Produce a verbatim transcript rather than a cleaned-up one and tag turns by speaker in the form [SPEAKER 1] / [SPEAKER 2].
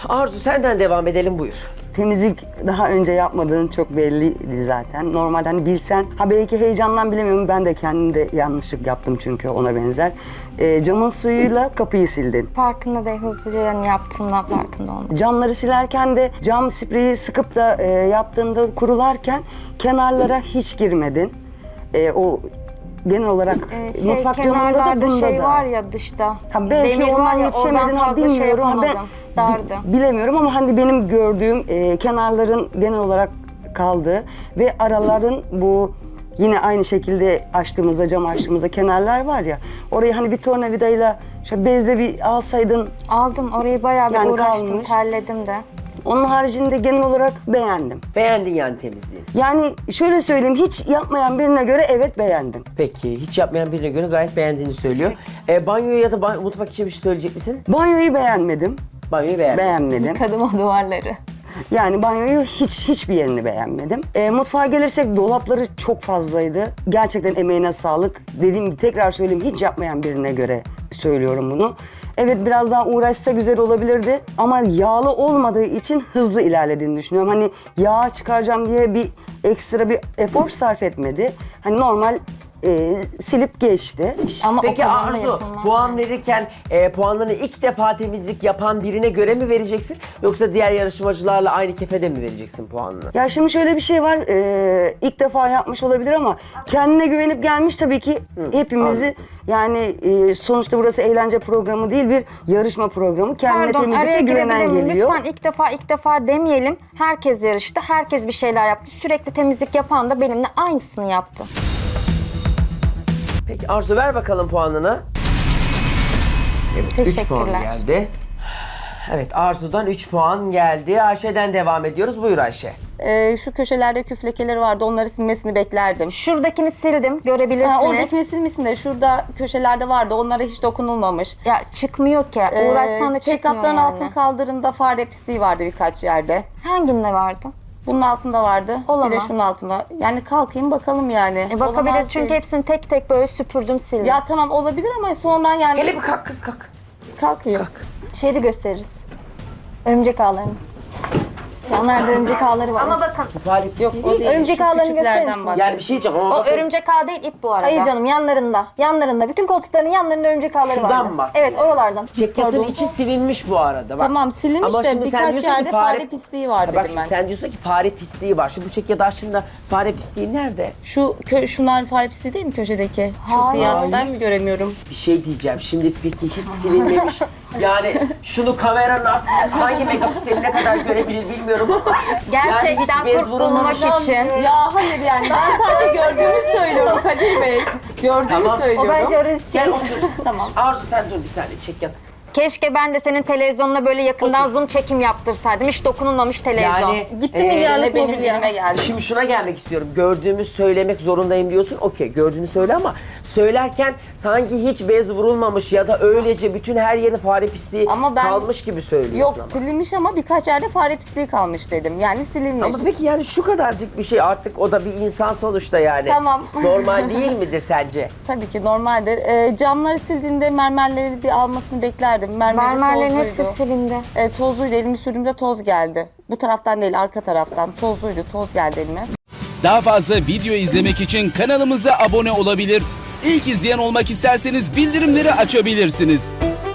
[SPEAKER 1] Arzu senden devam edelim, buyur.
[SPEAKER 2] Temizlik daha önce yapmadığın çok belliydi zaten. Normalde hani bilsen, ha belki heyecandan bilemiyorum, ben de kendim de yanlışlık yaptım çünkü ona benzer. E, camın suyuyla kapıyı sildin.
[SPEAKER 3] Farkında değil, hızlıca yani yaptığımdan farkında olmadım.
[SPEAKER 2] Camları silerken de cam spreyi sıkıp da e, yaptığında kurularken kenarlara hiç girmedin. E, o genel olarak
[SPEAKER 3] Ee, şey,
[SPEAKER 2] mutfak camında da
[SPEAKER 3] kenarlarda
[SPEAKER 2] bunda
[SPEAKER 3] şey
[SPEAKER 2] da.
[SPEAKER 3] var ya dışta.
[SPEAKER 2] Ha belki
[SPEAKER 3] demir
[SPEAKER 2] ondan
[SPEAKER 3] var ya,
[SPEAKER 2] yetişemedin
[SPEAKER 3] oradan
[SPEAKER 2] ama
[SPEAKER 3] fazla şey
[SPEAKER 2] bilmiyorum. Ha, ben
[SPEAKER 3] yapamadım. Dardı.
[SPEAKER 2] bi- bilemiyorum ama hani benim gördüğüm e, kenarların genel olarak kaldı ve araların bu yine aynı şekilde açtığımızda, cam açtığımızda kenarlar var ya, orayı hani bir tornavidayla şöyle bezle bir alsaydın.
[SPEAKER 3] Aldım, orayı bayağı bir
[SPEAKER 2] Yani
[SPEAKER 3] uğraştım,
[SPEAKER 2] kalmış.
[SPEAKER 3] terledim de.
[SPEAKER 2] Onun haricinde genel olarak beğendim.
[SPEAKER 1] Beğendin yani temizliği.
[SPEAKER 2] Yani şöyle söyleyeyim, hiç yapmayan birine göre evet beğendim.
[SPEAKER 1] Peki, hiç yapmayan birine göre gayet beğendiğini söylüyor. E, banyo ya da ban- mutfak için bir şey söyleyecek misin?
[SPEAKER 2] Banyoyu beğenmedim.
[SPEAKER 1] Banyoyu beğendin.
[SPEAKER 2] Beğenmedim.
[SPEAKER 3] Kadın o duvarları.
[SPEAKER 2] Yani banyoyu hiç hiçbir yerini beğenmedim. E, mutfağa gelirsek dolapları çok fazlaydı. Gerçekten emeğine sağlık. Dediğim gibi tekrar söyleyeyim, hiç yapmayan birine göre söylüyorum bunu. Evet, biraz daha uğraşsa güzel olabilirdi ama yağlı olmadığı için hızlı ilerlediğini düşünüyorum. Hani yağ çıkaracağım diye bir ekstra bir efor sarf etmedi. Hani normal e, silip geçti.
[SPEAKER 3] Ama
[SPEAKER 1] Peki
[SPEAKER 3] o kadar da
[SPEAKER 1] Arzu,
[SPEAKER 3] yapılmaz.
[SPEAKER 1] puan verirken e, puanlarını ilk defa temizlik yapan birine göre mi vereceksin? Yoksa diğer yarışmacılarla aynı kefede mi vereceksin puanını?
[SPEAKER 2] Ya şimdi şöyle bir şey var, e, ilk defa yapmış olabilir ama kendine güvenip gelmiş tabii ki hepimizi.
[SPEAKER 1] anladım.
[SPEAKER 2] Yani e, sonuçta burası eğlence programı değil, bir yarışma programı. Kendine
[SPEAKER 3] Pardon, araya
[SPEAKER 2] temizlikle güvenen
[SPEAKER 3] girebilir miyim?
[SPEAKER 2] geliyor.
[SPEAKER 3] Lütfen ilk defa ilk defa demeyelim. Herkes yarıştı, herkes bir şeyler yaptı. Sürekli temizlik yapan da benimle aynısını yaptı.
[SPEAKER 1] Peki Arzu, ver bakalım puanını. Evet, üç puan
[SPEAKER 3] Teşekkürler.
[SPEAKER 1] geldi. Evet, Arzu'dan üç puan geldi. Ayşe'den devam ediyoruz. Buyur Ayşe.
[SPEAKER 4] Ee, şu köşelerde küf lekeleri vardı, onları silmesini beklerdim.
[SPEAKER 3] Şuradakini sildim, görebilirsiniz.
[SPEAKER 4] Ha, oradakini silmişsin de şurada köşelerde vardı, onlara hiç dokunulmamış.
[SPEAKER 3] Ya çıkmıyor ki.
[SPEAKER 4] Ee,
[SPEAKER 3] Uğraşsan da çıkmıyor
[SPEAKER 4] Çekatların
[SPEAKER 3] yani.
[SPEAKER 4] altın kaldırımda fare pisliği vardı birkaç yerde.
[SPEAKER 3] Hanginde vardı?
[SPEAKER 4] Bunun altında vardı. Bir
[SPEAKER 3] Olamaz.
[SPEAKER 4] de şunun altında. Yani kalkayım bakalım yani.
[SPEAKER 3] E bakabiliriz
[SPEAKER 4] Olamaz
[SPEAKER 3] çünkü
[SPEAKER 4] değil.
[SPEAKER 3] hepsini tek tek böyle süpürdüm, sildim.
[SPEAKER 4] Ya tamam olabilir ama sonra yani
[SPEAKER 1] Hele bir kalk kız, kalk.
[SPEAKER 4] kalkayım.
[SPEAKER 1] Kalk.
[SPEAKER 5] Şeyi de gösteririz. Örümcek ağlarını. Yanlarda örümcek ağları var.
[SPEAKER 3] Ama bakın,
[SPEAKER 1] Bu fare pisliği
[SPEAKER 4] Yok o
[SPEAKER 1] değil.
[SPEAKER 4] değil.
[SPEAKER 5] Örümcek
[SPEAKER 4] şu
[SPEAKER 5] ağlarını
[SPEAKER 4] küçüklerden
[SPEAKER 5] gösterir misin?
[SPEAKER 4] bahsediyorum.
[SPEAKER 1] Yani bir şey diyeceğim ama
[SPEAKER 3] o
[SPEAKER 1] bakın,
[SPEAKER 3] örümcek ağ değil, ip bu arada.
[SPEAKER 5] Hayır canım, yanlarında. Yanlarında. Bütün koltukların yanlarında örümcek ağları
[SPEAKER 1] Şuradan
[SPEAKER 5] vardı.
[SPEAKER 1] mı bahsediyorsun?
[SPEAKER 5] Evet, oralardan.
[SPEAKER 1] Ceketin
[SPEAKER 4] Pardon.
[SPEAKER 1] içi silinmiş bu arada. Bak.
[SPEAKER 4] Tamam, silinmiş
[SPEAKER 1] Ama
[SPEAKER 4] de
[SPEAKER 1] şimdi sen
[SPEAKER 4] birkaç
[SPEAKER 1] diyorsun ki
[SPEAKER 4] yerde fare pisliği var
[SPEAKER 1] Ha, bak
[SPEAKER 4] dedim
[SPEAKER 1] şimdi
[SPEAKER 4] ben.
[SPEAKER 1] sen diyorsun ki fare pisliği var. Şu bu çekyat aslında fare pisliği nerede?
[SPEAKER 4] Şu kö şunlar fare pisliği değil mi köşedeki? Şu
[SPEAKER 3] Hayır.
[SPEAKER 4] siyah, ben mi göremiyorum?
[SPEAKER 1] Bir şey diyeceğim. Şimdi peki hiç silinmemiş. Yani şunu kameranın at, hangi megapikseline kadar görebilir bilmiyorum ama.
[SPEAKER 3] Gerçekten
[SPEAKER 1] yani hiç bez
[SPEAKER 3] kurt bulmak
[SPEAKER 1] vurulmamış.
[SPEAKER 3] için.
[SPEAKER 4] Ya hayır yani ben sadece gördüğümü söylüyorum Kadir Bey. Gördüğümü
[SPEAKER 1] Tamam.
[SPEAKER 4] söylüyorum.
[SPEAKER 5] O bence orası şey.
[SPEAKER 1] Gel otur.
[SPEAKER 4] Tamam.
[SPEAKER 1] Arzu sen dur bir saniye, çek yat.
[SPEAKER 3] Keşke ben de senin televizyonuna böyle yakından
[SPEAKER 1] Otur.
[SPEAKER 3] zoom çekim yaptırsaydım. Hiç dokunulmamış televizyon.
[SPEAKER 1] Yani
[SPEAKER 4] Gitti
[SPEAKER 1] e,
[SPEAKER 4] milyarlık
[SPEAKER 3] benim
[SPEAKER 4] mobilya.
[SPEAKER 3] dilime geldi.
[SPEAKER 1] Şimdi şuna gelmek istiyorum. Gördüğümü söylemek zorundayım diyorsun. Okey, gördüğünü söyle ama söylerken sanki hiç bez vurulmamış ya da öylece bütün her yeri fare pisliği
[SPEAKER 4] Ama ben-
[SPEAKER 1] kalmış gibi söylüyorsun
[SPEAKER 4] Yok
[SPEAKER 1] ama.
[SPEAKER 4] silinmiş ama birkaç yerde fare pisliği kalmış dedim. Yani silinmiş.
[SPEAKER 1] Ama peki yani şu kadarcık bir şey, artık o da bir insan sonuçta yani.
[SPEAKER 4] Tamam.
[SPEAKER 1] Normal değil midir sence?
[SPEAKER 4] Tabii ki normaldir. Ee, camları sildiğinde mermerleri bir almasını beklerdim. Mermeri
[SPEAKER 3] Mermerlerin
[SPEAKER 4] tozluydu.
[SPEAKER 3] hepsi silindi.
[SPEAKER 4] Ee, tozluydu. Elimi sürdüğümde toz geldi. Bu taraftan değil, arka taraftan. Tozluydu. Toz geldi elime.
[SPEAKER 6] Daha fazla video izlemek için kanalımıza abone olabilir. İlk izleyen olmak isterseniz bildirimleri açabilirsiniz.